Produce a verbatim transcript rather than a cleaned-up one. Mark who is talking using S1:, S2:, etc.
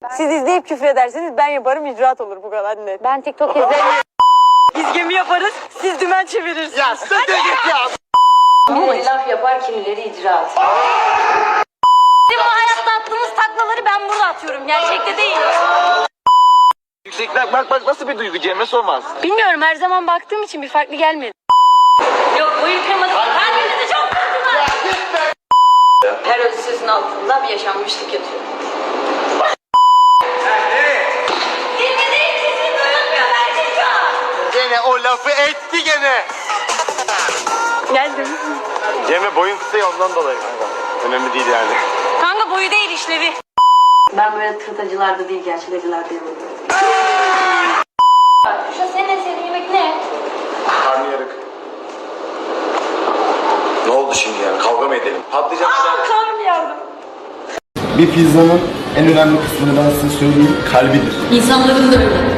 S1: Siz izleyip küfür ederseniz ben yaparım, icraat olur, bu kadar net.
S2: Ben TikTok izlemiyorum.
S1: Biz gemi yaparız, siz dümen çevirirsiniz.
S3: Ya sen de git ya.
S2: Kimileri laf yapar, kimileri icraat. Bizim bu hayatta attığımız taklaları ben burada atıyorum. Gerçekte değil.
S3: Yüksekler bak bak nasıl bir duygu Cemre sormaz.
S2: Bilmiyorum, her zaman baktığım için bir farklı gelmedi. Yok, boyun kırmadı. Kalbinizi çok kırdılar. Her öz sözün altında bir yaşanmışlık yatıyor. Dinlediğin kesin duyulmuyor Erdoğan.
S3: Gene o lafı etti gene.
S1: Geldim.
S3: Cemre boyun kısa ya ondan dolayı. Önemli değil yani.
S2: Kanka boyu değil, işlevi. Ben böyle tırtacılarda değil, gerçek acılarda yemedim. Şu senin en sevdiğin yemek ne?
S3: Karnıyarık. Ne oldu şimdi yani? Kavga mı edelim? Patlıcan.
S2: Aa, karnım yardım.
S4: Bir pizzanın en önemli kısmını ben size söyleyeyim, kalbidir.
S2: İnsanların da öyle.